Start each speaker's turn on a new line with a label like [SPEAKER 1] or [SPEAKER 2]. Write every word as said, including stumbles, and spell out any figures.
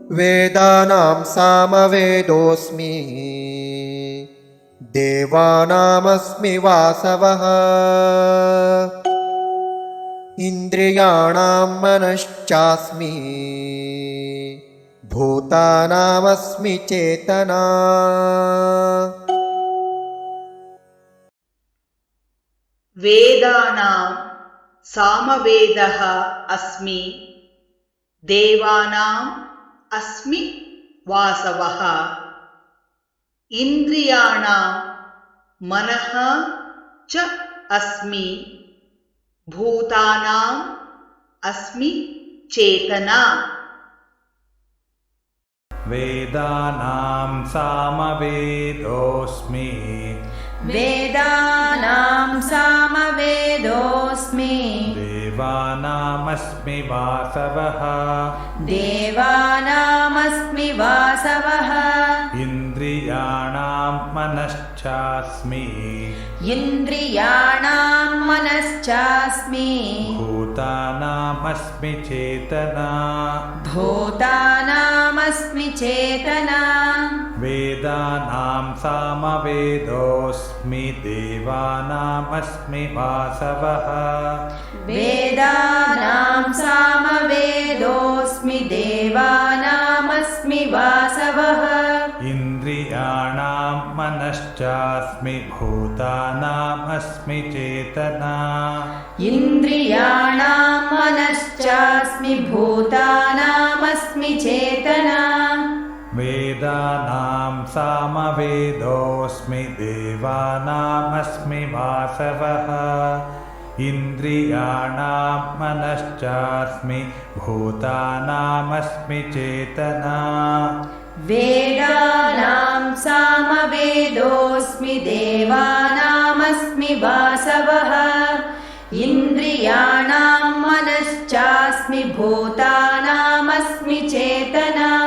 [SPEAKER 1] वेदानां सामवेदोऽस्मि देवानामस्मि वासवः इन्द्रियाणां मनश्चास्मि भूतानामस्मि चेतना।
[SPEAKER 2] वेदानां सामवेदः अस्मि देवानाम् अस्मि वासवः इन्द्रियाणां मनः च अस्मि भूतानाम् अस्मि चेतना।
[SPEAKER 3] वेदानां सामवेदोऽस्मि
[SPEAKER 4] वेदानां सामवेदोऽस्मि
[SPEAKER 3] देवानामस्मि वासवः
[SPEAKER 4] देवानामस्मि वासवः
[SPEAKER 3] इन्द्रियाणां मनश्चास्मि
[SPEAKER 4] इन्द्रियाणां मनश्चास्मि
[SPEAKER 3] भूतानामस्मि चेतना
[SPEAKER 4] भूतानामस्मि चेतना।
[SPEAKER 3] वेदानां सामवेदोऽस्मि देवानामस्मि वासवः
[SPEAKER 4] वेदानां सामवेदोऽस्मि देवानामस्मि वासवः
[SPEAKER 3] इन्द्रियाणां मनश्चास्मि भूतानामस्मि चेतना
[SPEAKER 4] इन्द्रियाणां मनश्चास्मि भूतानामस्मि चेतना।
[SPEAKER 3] वेदानां सामवेदोऽस्मि देवानामस्मि वासवः इन्द्रियाणां मनश्चास्मि भूतानामस्मि चेतना।
[SPEAKER 4] वेदानां सामवेदोऽस्मि देवानामस्मि वासवः इन्द्रियाणां मनश्चास्मि भूतानामस्मि चेतना।